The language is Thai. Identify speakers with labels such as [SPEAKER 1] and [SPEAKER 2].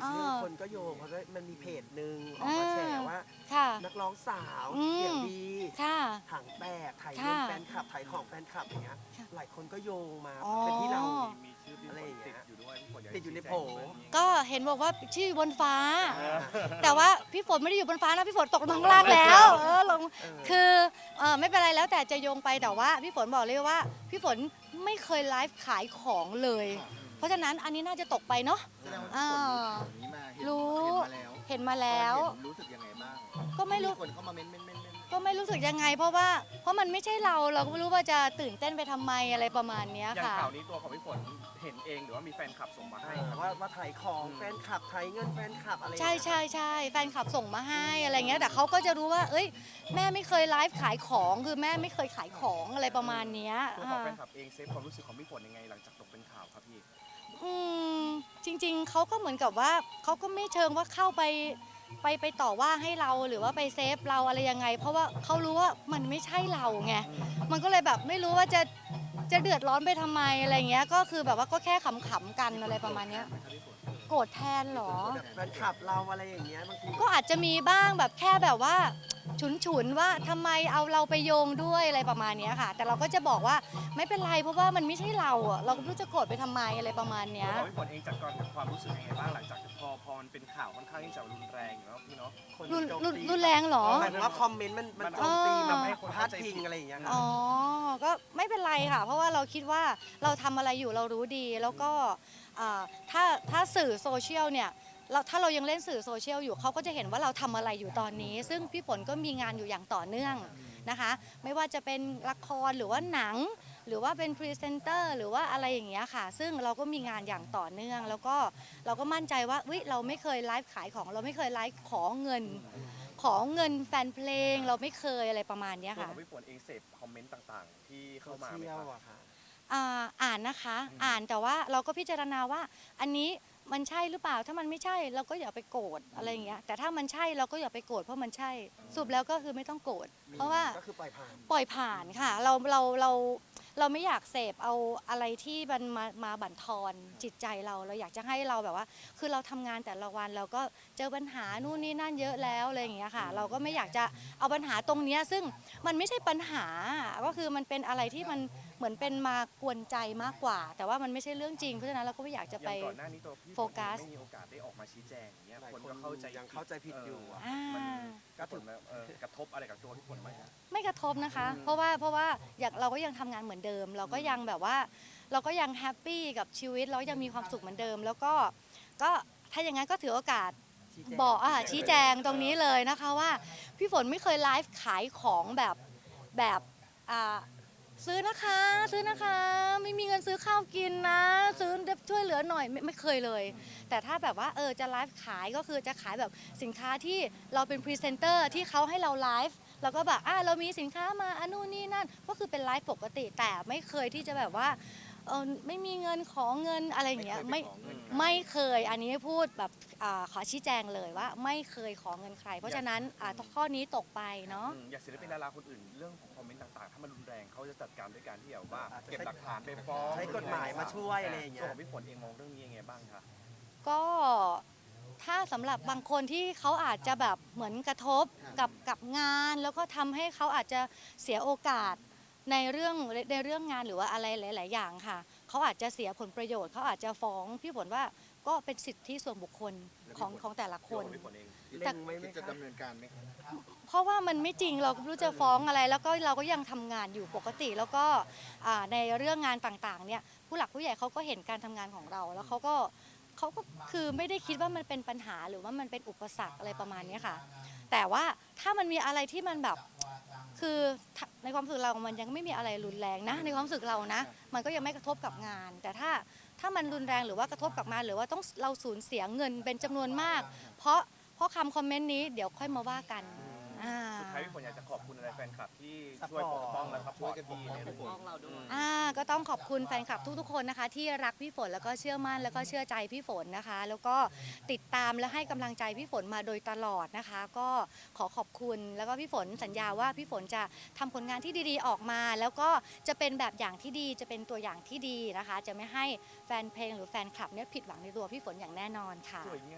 [SPEAKER 1] อีกเรื่องคนก็โยงเพราะว่ามันมีเพจหนึ่งออกมาแฉว่านักร้องสาวเสียงดีถังแตกถ่ายเงินแฟนคลับถ่ายของแฟนคลับอย่างเงี้ยหลายคนก็โยงมาเป็นที่เรา
[SPEAKER 2] มีชื่อพี่
[SPEAKER 1] อะไร
[SPEAKER 2] ฝน
[SPEAKER 1] อย่างเงี้
[SPEAKER 2] ติด
[SPEAKER 1] ย
[SPEAKER 2] อยู่ด้วยพี่ฝนอยาก
[SPEAKER 1] ติดอยู่ในโผ
[SPEAKER 3] ก็เห็นบอกว่าชื่อบนฟ้า แต่ว่าพี่ฝนไม่ได้อยู่บนฟ้านะพี่ฝนตกลงมาข้างล่างแล้วลงคือไม่เป็นไรแล้วแต่จะโยงไปแต่ว่าพี่ฝนบอกเลยว่าพี่ฝนไม่เคยไลฟ์ขายของเลย เพราะฉะนั้นอันนี้น่าจะตกไปเนาะ
[SPEAKER 4] แสดงว่าพี่ฝนรู้ข่าวนี้มาเห็นมาแล้ว รู้สึกยังไงบ้าง
[SPEAKER 3] ก็ไม่รู้
[SPEAKER 4] คนเข้ามาเม้น
[SPEAKER 3] ก็ไม่รู้สึกยังไงเพราะมันไม่ใช่เราก็ไม่รู้ว่าจะตื่นเต้นไปทำไมอะไรประมาณเนี้ย
[SPEAKER 2] อย่าง
[SPEAKER 3] ค่ะ
[SPEAKER 2] ข่าวนี้ตัวของพี่ฝนเห็นเองหรือว่ามีแฟนคลับส่งมาให้ครับ
[SPEAKER 1] ว่าถ่ายของแฟนคลับถ่ายเงินแฟนคลับอะไร
[SPEAKER 3] ใช่แฟนคลับส่งมาให้อะไรเงี้ยแต่เขาก็จะรู้ว่าเอ้ยแม่ไม่เคยไลฟ์ขายของคือแม่ไม่เคยขายของอะไรประมาณเนี้ย
[SPEAKER 2] ตัวของแฟนคลับเองเซฟความรู้สึกของพี่ฝนยังไงหลังจากตกเป็นข่าวครับพี่
[SPEAKER 3] อืมจริงๆเขาก็เหมือนกับว่าเขาก็ไม่เชิงว่าเข้าไปต่อว่าให้เราหรือว่าไปเซฟเราอะไรยังไง เพราะว่าเขารู้ว่ามันไม่ใช่เราไงมันก็เลยแบบไม่รู้ว่าจะเดือดร้อนไปทำไมอะไรเงี้ยก็คือแบบว่าก็แค่ขำๆกันอะไรประมาณเนี้ยโกรธแทนเหรอ
[SPEAKER 1] แฟนคลับเราอะไรอย่างเงี้ยบางที
[SPEAKER 3] ก็อาจจะมีบ้างแบบแค่แบบว่าฉุนๆว่าทำไมเอาเราไปโยงด้วยอะไรประมาณเนี้ยค่ะ แต่เราก็จะบอกว่าไม่เป็นไรเพราะว่ามันไม่ใช่เราอ่ะเราก็ไม่รู้จะโกรธไปทำไมอะไรประมาณเนี้ย
[SPEAKER 2] ตัวของพี่ฝนเองจัดการกับความรู้สึกยังไงบ้างหลังจากพอมันเป็นข่าวค่อนข้างที่จะรุนแรงอยู่แล้วพี่เนาะ
[SPEAKER 1] คน
[SPEAKER 3] รุน
[SPEAKER 1] โจม
[SPEAKER 3] รุน
[SPEAKER 1] ตี
[SPEAKER 3] รุนแรงเหรอ
[SPEAKER 1] หมายถึงว่าคอมเมนต์มันโจมตีแบบให้คนพาดพิงอะไรอย่างเงี้ย
[SPEAKER 3] อ๋อ ก็ไม่เป็นไรค่ะ เพราะว่าเราคิดว่าเราทำอะไรอยู่เรารู้ดี แล้วก็อ่าถ้าสื่อโซเชียลเนี่ยถ้าเรายังเล่นสื่อโซเชียลอยู่เขาก็จะเห็นว่าเราทำอะไรอยู่ตอนนี้ ซึ่งพี่ฝนก็มีงานอยู่อย่างต่อเนื่องนะคะ ไม่ว่าจะเป็นละครหรือว่าหนัง หรือว่าเป็นพรีเซนเตอร์หรือว่าอะไรอย่างเงี้ยค่ะ ซึ่งเราก็มีงานอย่างต่อเนื่อง แล้วก็เราก็มั่นใจว่าเราไม่เคยไลฟ์ขายของ เราไม่เคยไลฟ์ขอเงินแฟนเพลงเราไม่เคยอะไรประมาณเนี้ย
[SPEAKER 2] ตัว
[SPEAKER 3] ค่ะ
[SPEAKER 2] ของพี่ฝนเองเสพคอมเมนต์ต่างๆ ที่
[SPEAKER 1] โซ
[SPEAKER 2] เข้ามาไหม
[SPEAKER 1] เชีย
[SPEAKER 2] ค
[SPEAKER 1] ล
[SPEAKER 2] รับ
[SPEAKER 1] อะค่ะ
[SPEAKER 3] อ่านนะคะอ่านแต่ว่าเราก็พิจารณาว่าอันนี้มันใช่หรือเปล่าถ้ามันไม่ใช่เราก็อย่าไปโกรธอะไรอย่างเงี้ยแต่ถ้ามันใช่เราก็อย่าไปโกรธเพราะมันใช่สรุปแล้วก็คือไม่ต้องโกรธเพราะว่า
[SPEAKER 1] ก็คือปล่อยผ่าน
[SPEAKER 3] ปล่อยผ่านค่ะเราไม่อยากเสพเอาอะไรที่มันมาบั่นทอนจิตใจเราอยากจะให้เราแบบว่า คือเราทำงานแต่ละวันเราก็เจอปัญหานู่นนี่นั่นเยอะแล้วอะไรอย่างเงี้ยค่ะ เราก็ไม่อยากจะเอาปัญหาตรงเนี้ยซึ่งมันไม่ใช่ปัญหาก็คือมันเป็นอะไรที่มันเหมือนเป็นมากวนใจมากกว่า แต่ว่ามันไม่ใช่เรื่องจริงเพราะฉะนั้นเราก็ไม่อยากจะ
[SPEAKER 2] อ
[SPEAKER 3] ไป
[SPEAKER 2] ย่างก่อนหน้านี้ตัวพี่ฝ
[SPEAKER 3] โฟ
[SPEAKER 2] น
[SPEAKER 3] กัส
[SPEAKER 2] ไม่มีโอกาสได้ออกมาชี้แจงอย่างเงี้ย
[SPEAKER 1] หลาย
[SPEAKER 2] คน
[SPEAKER 1] คน
[SPEAKER 2] ก็เข้าใจ
[SPEAKER 1] ยังเข้าใจผิดอยู่อะ
[SPEAKER 2] มัน
[SPEAKER 1] ก็
[SPEAKER 2] ก็
[SPEAKER 1] ถื
[SPEAKER 2] ถึ
[SPEAKER 1] อ
[SPEAKER 2] งกระทบอะไรกับตัวพี่ฝนไหมครับ
[SPEAKER 3] ไม่กระทบนะคะ เพราะว่าอย่างเราก็ยังทำงานเหมือนเดิม เราก็ยังแบบว่าเราก็ยังแฮปปี้กับชีวิตเรายังมีความสุขเหมือนเดิม แล้วก็ถ้าอย่างนั้นก็ถือโอกาสบอกชี้แจงตรงนี้เลยนะคะว่าพี่ฝนไม่เคยไลฟ์ขายของแบบซื้อนะคะไม่มีเงินซื้อข้าวกินนะซื้อช่วยเหลือหน่อยไม่เคยเลย แต่ถ้าแบบว่าจะไลฟ์ขายก็คือจะขายแบบสินค้าที่เราเป็นพรีเซนเตอร์ที่เขาให้เราไลฟ์แล้วก็แบบเรามีสินค้ามานู่นนี่นั่นก็คือเป็นไลฟ์ปกติแต่ไม่เคยที่จะแบบว่าไม่มีเงินขอเงินอะไรอย่างเงี้ยไม่เคยอันนี้พูดแบบขอชี้แจงเลยว่าไม่เคยขอเงินใคร เพราะฉะนั้นข้อนี้ตกไปเนาะ
[SPEAKER 2] อย่างศิลปินดาราคนอื่นเรื่องของคอมเมนต์ต่างๆ ถ้ามันรุนแรงเขาจะจัดการด้วยการที่แบบว่าเก็บหลักฐานไปฟ้อง
[SPEAKER 1] ใช้กฎหมายมาช่วยอะไรอย่างเงี้ย
[SPEAKER 2] ตัวของพี่ฝนเองมองเรื่องนี้ยังไงบ้างคะ
[SPEAKER 3] ก็ถ้าสำหรับบางคนที่เขาอาจจะแบบเหมือนกระทบกับงานแล้วก็ทำให้เขาอาจจะเสียโอกาสในเรื่องงานหรือว่าอะไรหลาย ๆ อย่างค่ะเขาอาจจะเสียผลประโยชน์เขาอาจจะฟ้องพี่ฝนว่าก็เป็นสิทธิส่วนบุคคลของแต่ละค
[SPEAKER 2] ตัวน ของพี่ฝนเอง
[SPEAKER 1] เล็งไว้ไหม
[SPEAKER 4] จะ
[SPEAKER 1] คะ
[SPEAKER 4] ดำเนินการไหมครับ
[SPEAKER 3] เพราะว่ามันไม่จริงเราก็ไม่รู้จะฟ้องอะไรแล้วก็เราก็ยังทำงานอยู่ปกติแล้วก็ในเรื่องงานต่างๆเนี่ยผู้หลักผู้ใหญ่เขาก็เห็นการทำงานของเราแล้วเขาก็คือไม่ได้คิดว่ามันเป็นปัญหาหรือว่ามันเป็นอุปสรรคอะไรประมาณนี้ค่ะแต่ว่าถ้ามันมีอะไรที่มันแบบคือในความรู้สึกเรามันยังไม่มีอะไรรุนแรงนะในความรู้สึกเรานะมันก็ยังไม่กระทบกับงาน แต่ถ้ามันรุนแรงหรือว่ากระทบกับงานหรือว่าต้องเราสูญเสียเงินเป็นจำนวนมาก เพราะคำคอมเมนต์นี้เดี๋ยวค่อยมาว่ากัน
[SPEAKER 2] สุดท้ายพี่ฝนอยากจะขอบคุณอะไรแฟนคลับที่ช่วยปกป้องและซัพพอร์ตพี่ในเรื่องนี้
[SPEAKER 3] ก็ต้องขอบคุณแฟนคลับทุกๆคนนะคะที่รักพี่ฝนแล้วก็เชื่อมั่นแล้วก็เชื่อใจพี่ฝนนะคะ แล้วก็ติดตามและให้กำลังใจพี่ฝนมาโดยตลอดนะคะ ก็ขอขอบคุณแล้วก็พี่ฝนสัญญาว่าพี่ฝนจะทำผลงานที่ดีๆออกมา แล้วก็จะเป็นแบบอย่างที่ดีจะเป็นตัวอย่างที่ดีนะคะ จะไม่ให้แฟนเพลงหรือแฟนคลับเนี่ยผิดหวังในตัวพี่ฝนอย่างแน่นอนค่ะ